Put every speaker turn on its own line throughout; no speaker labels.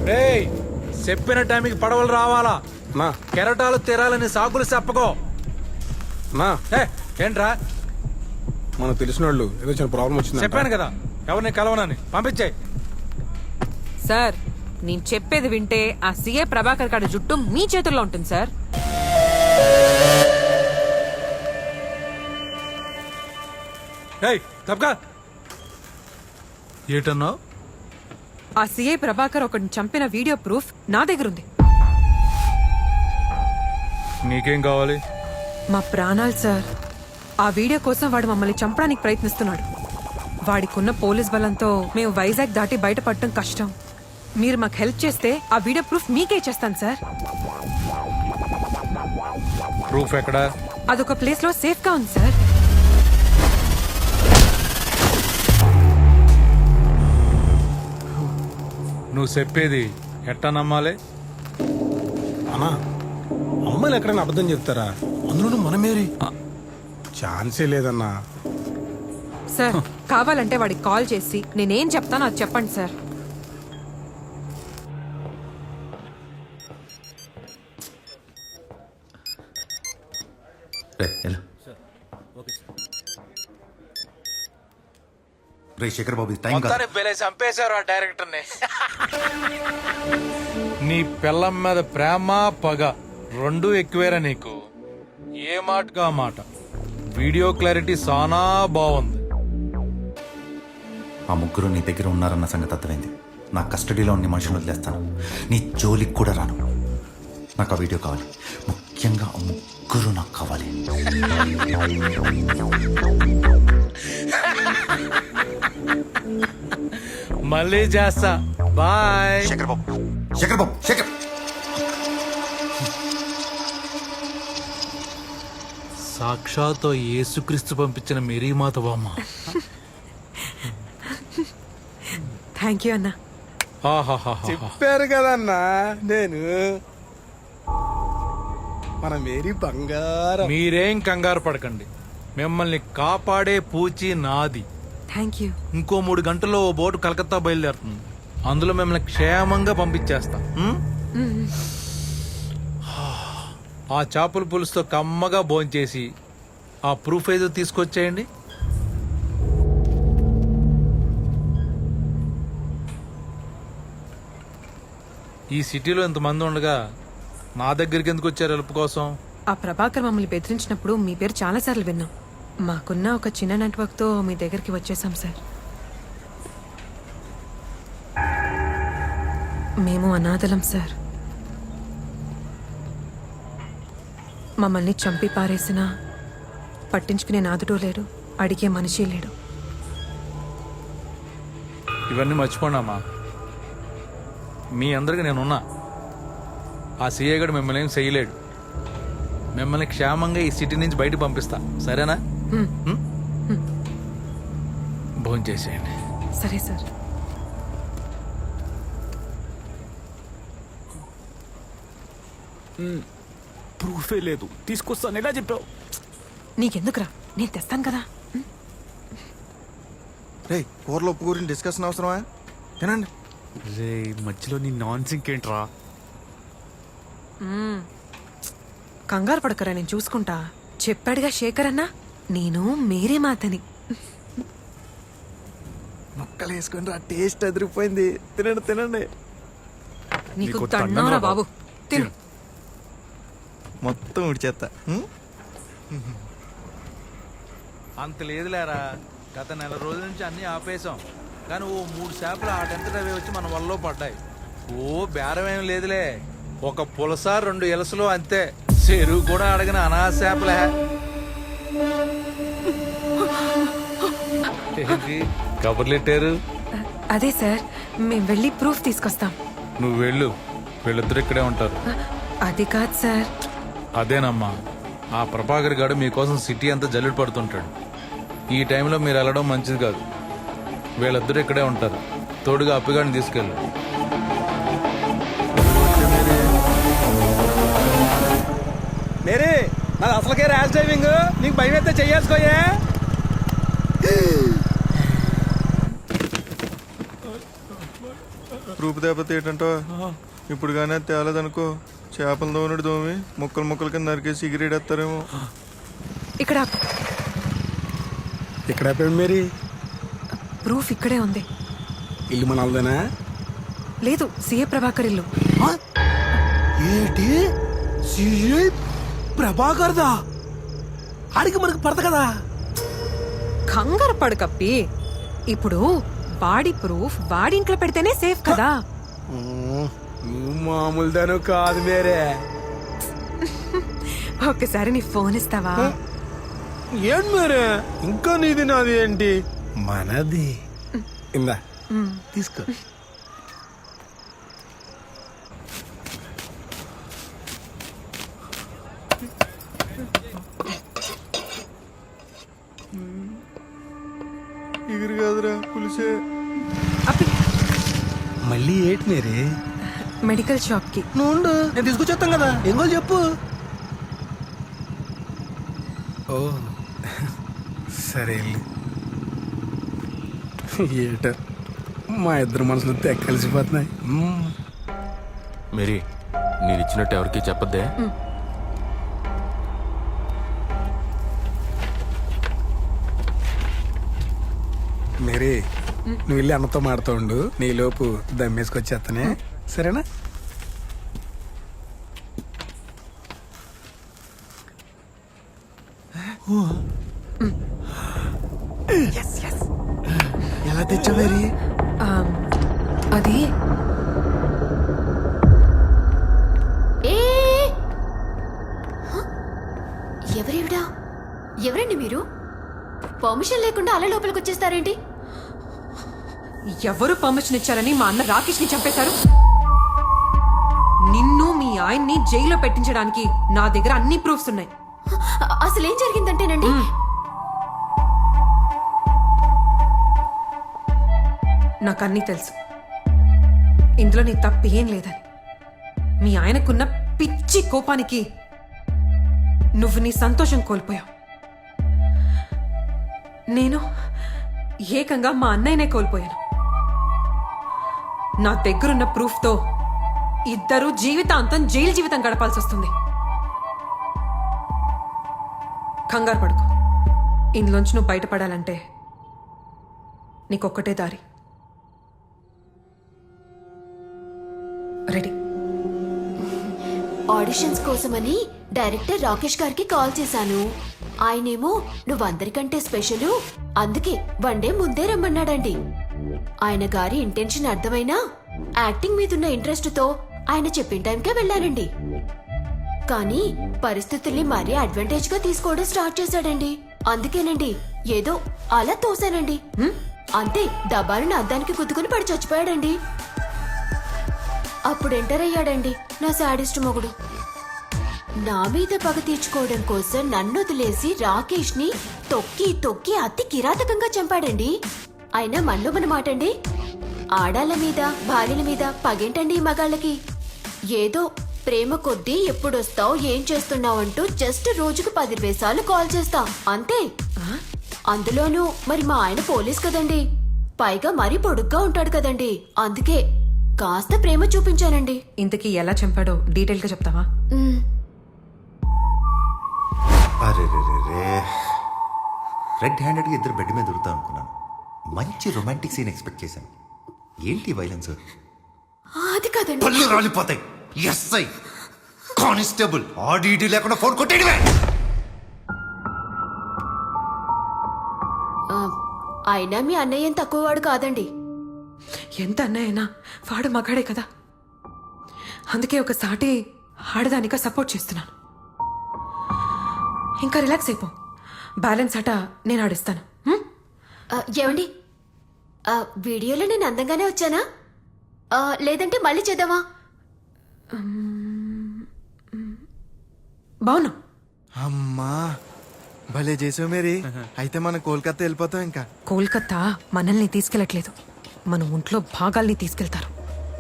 రేయ్ చెప్పిన టైంకి పడవలు రావాలా
మా
కెరటాలు తీరాలని సాకులు చెప్పకో.
మా
ఏంట్రా
మనకు తెలిసిన వాళ్ళు ఏదో చిన్న ప్రాబ్లం వచ్చింది.
చెప్పాను కదా ఎవరిని కలవనని. పంపించాయి.
సార్ నేను చెప్పేది వింటే ఆ సీఏ ప్రభాకర్ గారి జుట్టు మీ చేతుల్లో ఉంటుంది సార్.
తప్పగా ఏటన్నావు?
ఆ సీఏ ప్రభాకర్ ఒకరిని చంపిన వీడియో ప్రూఫ్ నా దగ్గరుంది.
నీకేం కావాలి?
మా ప్రాణాలు సార్. ఆ వీడియో కోసం వాడు మమ్మల్ని చంపడానికి ప్రయత్నిస్తున్నాడు. వాడికున్న పోలీస్ బలంతో మేము వైజాగ్ దాటి బయటపడటం కష్టం. మీరు మాకు హెల్ప్ చేస్తే ఆ వీడియో ప్రూఫ్ మీకే ఇచ్చేస్తాను సార్.
ప్రూఫ్ ఎక్కడా?
అదొక ప్లేస్ లో సేఫ్ గా ఉంది సార్.
నువ్వు చెప్పేది ఎట్టా నమ్మాలి?
అన్నా అమ్మాయిలు ఎక్కడైనా అబద్ధం చెప్తారా? అందులోనూ మనమేరి ఛాన్సే లేదన్నా.
సార్ కావాలంటే వాడికి కాల్ చేసి నేనేం చెప్తానో అది చెప్పండి సార్.
శేఖర్ బాబు టైం
చంపేశారు ఆ డైరెక్టర్ ని. నీ పిల్లం మీద ప్రేమ పగ రెండు ఎక్కువేరా నీకు. ఏ మాటగా మాట. వీడియో క్లారిటీ సానా బాగుంది.
ఆ ముగ్గురు నీ దగ్గర ఉన్నారన్న సంగతి అర్థమైంది. నా కస్టడీలో ఉన్న మనుషులు వదిలేస్తాను. నీ జోలికి కూడా రాను. నాకు ఆ వీడియో కావాలి. ముఖ్యంగా ఆ ముగ్గురు నాకు కావాలి.
మళ్ళీ చేస్తా. బాయ్.
శేఖర్ బాబు శేఖర్ బాబు శేఖర్.
సాక్షాత్ యేసుక్రీస్తు పంపించిన మేరీమాత బామ్మ.
థ్యాంక్ యూ అన్నా.
చెప్పారు కదన్నా నేను మన మేరీ బంగారం.
మీరేం కంగారు పడకండి. మిమ్మల్ని కాపాడే పూచి నాది.
Thank you.
ఇంకో 3 గంటల్లో ఓ బోటు కలకత్తా బయలుదేరుతుంది. అందులో మిమ్మల్ని క్షేమంగా పంపించేస్తా. ఆ చేపల పులుసుతో కమ్మగా భోంచేసి ఆ ప్రూఫ్ ఏదో తీసుకొచ్చేయండి. ఈ సిటీలో ఇంతమంది ఉండగా నా దగ్గరికి ఎందుకు వచ్చారు హెల్ప్ కోసం?
ఆ ప్రభాకర్ మమ్మల్ని బెదిరించినప్పుడు మీ పేరు చాలాసార్లు విన్నాం. మాకున్న ఒక చిన్న నెట్వర్క్తో మీ దగ్గరికి వచ్చేసాం సార్. మేము అనాథలం సార్. మమ్మల్ని చంపి పారేసినా పట్టించుకునే నాదుడు లేడు, అడిగే మనిషి లేడు.
ఇవన్నీ మర్చిపోండమ్మా. మీ అందరికి నేనున్నా. ఆ సీఏ గడు మిమ్మల్ని ఏం చేయలేడు. మిమ్మల్ని క్షేమంగా ఈ సిటీ నుంచి బయటకు పంపిస్తా. సరేనా? భోంచేసేయండి.
సరే సార్.
ప్రూఫే లేదు. తీసుకొస్తాను ఎలా చెప్పావు?
నీకెందుకురా, నేను తెస్తాను కదా.
రే కూరలో ఉప్పు గురించి డిస్కషన్ అవసరమా? తినండి.
రే మధ్యలో నీ నాన్ సింక్ ఏంట్రా?
కంగారు పడకరా, నేను చూసుకుంటా. చెప్పాడుగా శేఖర్ అన్న, నేను మేరీ మాతని.
ముక్కలు వేసుకుని రా, టేస్ట్ అదిరిపోయింది. తినండి తినండి.
నీకు దండంరా బాబు. తిను.
మొత్తం ఉడిచేస్తా.
అంత లేదులేరా. గత 1 నెల రోజుల నుంచి అన్ని ఆపేశాం. కానీ ఓ 3 చేపలు ఆటంతటా అవి వచ్చి మన వల్ల పడ్డాయి. ఓ బేరమేం లేదులే. ఒక పులస 2 ఎలసలు అంతే. చెరువు కూడా అడగని అనాథ చేపలే. కబుర్లెట్టారు.
అదే సార్, మేము వెళ్ళి ప్రూఫ్ తీసుకొస్తాం.
నువ్వు వెళ్ళు. వీళ్ళిద్దరు ఇక్కడే ఉంటారు.
అది కాదు సార్.
అదేనమ్మా, ఆ ప్రభాకర్ గారు మీకోసం సిటీ అంతా జల్లుడు పడుతుంటాడు. ఈ టైంలో మీరు వెళ్ళడం మంచిది కాదు. వీళ్ళిద్దరు ఇక్కడే ఉంటారు. తోడుగా అప్పిగాడిని తీసుకెళ్ళు.
మేరీ నాది అసలుకే ర్యాష్ డ్రైవింగ్. నీకు భయం అయితే చెయ్యేసుకోయే.
ప్రూఫ్ దెబ్బతి ఏంటంటో ఇప్పుడు కానీ అది తేలేదనుకో చేపలు దోమనుడు దోమి ముక్కలు ముక్కలు కింద నరికేసి ఎగిరేడేస్తారేమో.
ఇక్కడ
ఇక్కడ అయిపోయింది మేరీ.
ప్రూఫ్ ఇక్కడే ఉంది.
ఇల్లు మన వాళ్ళదేనా?
లేదు, సిఏ ప్రభాకర్ ఇల్లు.
ఏంటి సిఐ ప్రభాకర్దా? ఆడికి మనకు పడత కదా.
కంగారు పడు కప్పి. ఇప్పుడు వాడి ప్రూఫ్ వాడి ఇంట్లో పెడితేనే సేఫ్ కదా.
నువ్వు మామూలుదాను కాదు మేరే.
ఒక్కసారి నీ ఫోన్ ఇస్తావా?
ఏంటి మేరే ఇంకా నీది నాది ఏంటి? మనది. ఇందా తీసుకో.
ఎగిరి కాదురా పులిసే.
అప్పి
మళ్ళీ ఏంటి మేరే?
మెడికల్ షాప్ కి.
నువ్వు ఉండు, నేను తీసుకొచ్చేస్తాం కదా. ఏం కావాలి చెప్పు. ఓ సరే వెళ్ళు. ఏట మా ఇద్దరు మనసులు తెగ కలిసిపోతున్నాయి.
మేరీ నేను ఇచ్చినట్టు ఎవరికి చెప్పద్దే.
మేరీ నువ్వు వెళ్ళి అన్నతో మాడుతూ ఉండు, నీలోపు దమ్మేసుకొచ్చేస్తానే. సరేనా?
ఎలా తెచ్చా మేరీ?
అది
ఎవరేవిడా? ఎవరండి మీరు? పర్మిషన్ లేకుండా అలా లోపలికి వచ్చేస్తారేంటి?
ఎవరు పర్మిషన్ ఇచ్చారని మా అన్న రాకేష్ ని చంపేశారు? నిన్ను మీ ఆయన్ని జైల్లో పెట్టించడానికి నా దగ్గర అన్ని ప్రూఫ్స్ ఉన్నాయి.
అసలు ఏం జరిగిందంటేనండి,
నాకు అన్నీ తెలుసు. ఇందులో నీ తప్పు ఏం లేదని. మీ ఆయనకున్న పిచ్చి కోపానికి నువ్వు నీ సంతోషం కోల్పోయావు. నేను ఏకంగా మా అన్నయ్యనే కోల్పోయాను. నా దగ్గరున్న ప్రూఫ్తో ఇద్దరు జీవితాంతం జైలు జీవితం గడపాల్సి వస్తుంది. కంగారు పడుకో. ఇందులోంచి నువ్వు బయటపడాలంటే నీకొక్కటే దారి. రెడీ?
ఆడిషన్స్ కోసమని డైరెక్టర్ రాకేష్ గారికి కాల్ చేశాను. ఆయనేమో నువ్వు అందరికంటే స్పెషల్, అందుకే వన్ డే ముందే రమ్మన్నాడండి. ఆయన గారి ఇంటెన్షన్ అర్థమైనా యాక్టింగ్ మీదున్న ఇంట్రెస్ట్ తో ఆయన చెప్పిన టైంకే వెళ్ళానండి. కానీ పరిస్థితుల్ని మరీ అడ్వాంటేజ్ గా తీసుకోవడం స్టార్ట్ చేశాడండి. అందుకేనండి ఏదో అలా తోసానండి. అంతే, డబ్బాలను అద్దానికి గుద్దుకుని పడి చచ్చిపోయాడండి. అప్పుడు ఎంటర్ అయ్యాడండి నా శాడిస్ట్ మొగుడు. నా మీద పగ తీర్చుకోవడం కోసం నన్ను వదిలేసి రాకేష్ ని తొక్కి తొక్కి అతి కిరాతకంగా చంపాడండి. అయినా మనలో మన మాటండి, ఆడాళ్ళ మీద భార్యల మీద పగేంటండి ఈ మగాళ్ళకి? ఏదో ప్రేమ కొద్దీ ఎప్పుడొస్తావు, ఏం చేస్తున్నావు అంటూ జస్ట్ రోజుకు 10 సార్లు కాల్ చేస్తా అంతే. అందులోనూ మరి మా ఆయన పోలీస్ కదండి, పైగా మరీ పొడుగ్గా ఉంటాడు కదండి. అందుకే కాస్త ప్రేమ చూపించానండి.
ఇంతకీ ఎలా చంపాడో డీటెయిల్ గా చెప్తావా?
అరే రెడ్ హ్యాండెడ్గా ఇద్దరు బెడ్ మీద దొరుకుతా అనుకున్నాను. మంచి రొమాంటిక్ సీన్ ఎక్స్పెక్ట్ చేశాను. ఏంటి వైలెన్స్?
అది కదండి.
పళ్ళు రాలిపోతాయి. ఎస్ఐ కానిస్టేబుల్ ఆడిటీ లేకుండా ఫోన్ కొట్టేయడమే.
అయినా మీ అన్నయ్య ఏం తక్కువవాడు కాదండి.
ఎంత అన్నయ్యనా వాడు మగాడే కదా. అందుకే ఒక సాటి ఆడదానిగా సపోర్ట్ చేస్తున్నాను. ఇంకా రిలాక్స్ అయిపో. బ్యాలెన్స్ ఆట నేను ఆడిస్తాను.
ఏమండి, వీడియోలో నేను అందంగానే వచ్చానా, లేదంటే మళ్ళీ చేద్దామా?
బావునా?
అమ్మా భలే చేసావు మేరీ. అయితే మనం కోల్కతా వెళ్ళిపోతాం. ఇంకా
కోల్కతా మనల్ని తీసుకెళ్లట్లేదు, మన ఒంట్లో భాగాల్ని తీసుకెళ్తారు.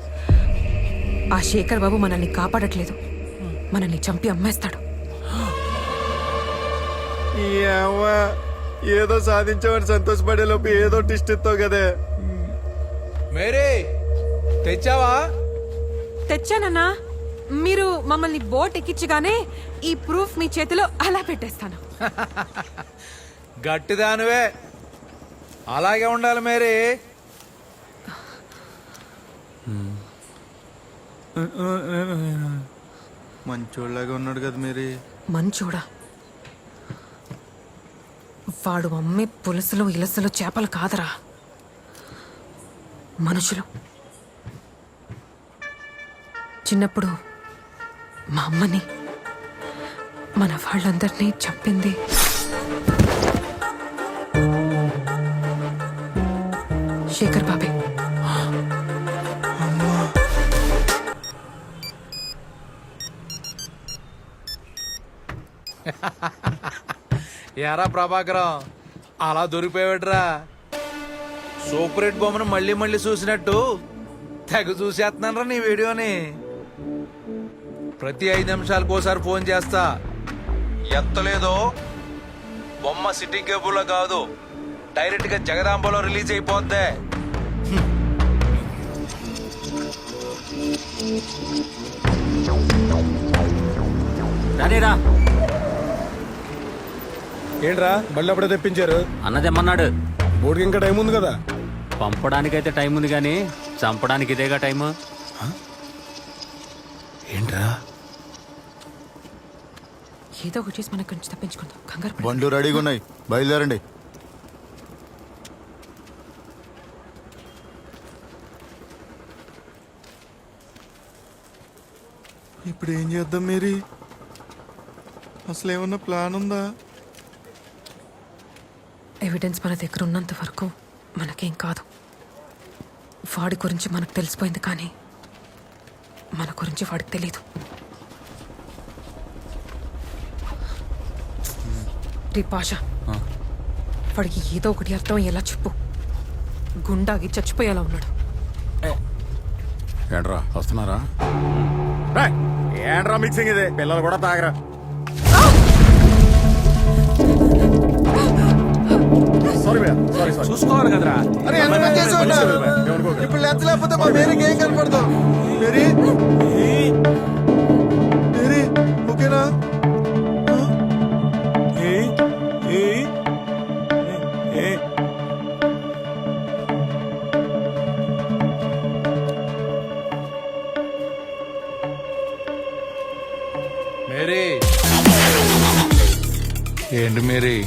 ఆ శేఖర్ బాబు మనల్ని కాపాడట్లేదు, మనల్ని చంపి అమ్మేస్తాడు.
ఏదో సాధించామని సంతోషపడే లోపు ఏదో టిస్ట్ ఇస్తావు కదే.
మేరీ తెచ్చావా?
తెచ్చానన్నా. మీరు మమ్మల్ని బోట్ ఎక్కించగానే ఈ ప్రూఫ్ మీ చేతిలో అలా పెట్టేస్తాను.
గట్టిదానివే, అలాగే ఉండాలి మేరీ.
మంచోళ్ళగా ఉన్నాడు కదా మేరీ.
మంచోడా? వాడు అమ్మే పులుసులు ఇలసలు చేపలు కాదరా, మనుషులు. చిన్నప్పుడు మా అమ్మని మన వాళ్ళందరినీ చంపింది శేఖర్ బాబే.
ఎరా ప్రభాకరం, అలా దొరికిపోయాడురా. సూపర్ హిట్ బొమ్మను మళ్ళీ మళ్ళీ చూసినట్టు తెగ చూసేస్తున్నాను రా నీ వీడియోని. ప్రతి 5 నిమిషాలకు ఒకసారి ఫోన్ చేస్తా. ఎత్తలేదో బొమ్మ సిటీ కేబుల్లో కాదు, డైరెక్ట్ గా జగదాంబలో రిలీజ్ అయిపోద్ది.
రానేరా
ఏంట్రా మళ్ళీ అప్పుడే తెప్పించారు?
అన్నదేమన్నాడు.
బోర్డుకి ఇంకా టైం ఉంది కదా.
పంపడానికైతే టైం ఉంది కానీ చంపడానికి ఇదేగా టైము.
ఏంట్రా?
ఏదో ఒకటి చేసి మనకు నుంచి తప్పించుకుందాం. కంగారు పడకు.
బండ్లు రెడీగా ఉన్నాయి, బయలుదేరండి. ఇప్పుడు ఏం చేద్దాం మేరీ? అసలు ఏమన్నా ప్లాన్ ఉందా?
ఎవిడెన్స్ మన దగ్గర ఉన్నంత వరకు మనకేం కాదు. వాడి గురించి మనకు తెలిసిపోయింది, కానీ మన గురించి వాడికి తెలీదు. రే పాషా, వాడికి ఏదో ఒకటి అర్థం అయ్యేలా చెప్పు. గుండాగి చచ్చిపోయేలా ఉన్నాడు.
ఏంట్రా వస్తున్నారా? ఏంట్రా మిక్సింగ్ ఇది? పిల్లలు కూడా తాగరా?
చూసుకోవాలి కదరా.
ఇప్పుడు లెంచ లేకపోతే మా మేరీకి ఏం కనపడదు. మేరీ మేరీ ఓకేనా?
మేరీ, ఏంటి మేరీ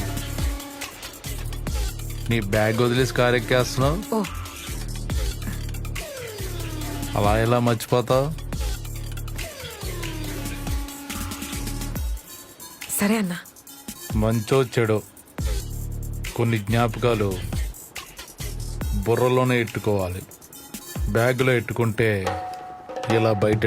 నీ బ్యాగ్ వదిలేసి కారు ఎక్కేస్తున్నావు?
ఓ,
అలా ఎలా మర్చిపోతావు?
సరే అన్నా.
మంచో చెడో కొన్ని జ్ఞాపకాలు బుర్రలోనే ఎట్టుకోవాలి. బ్యాగ్లో ఎట్టుకుంటే ఇలా బయట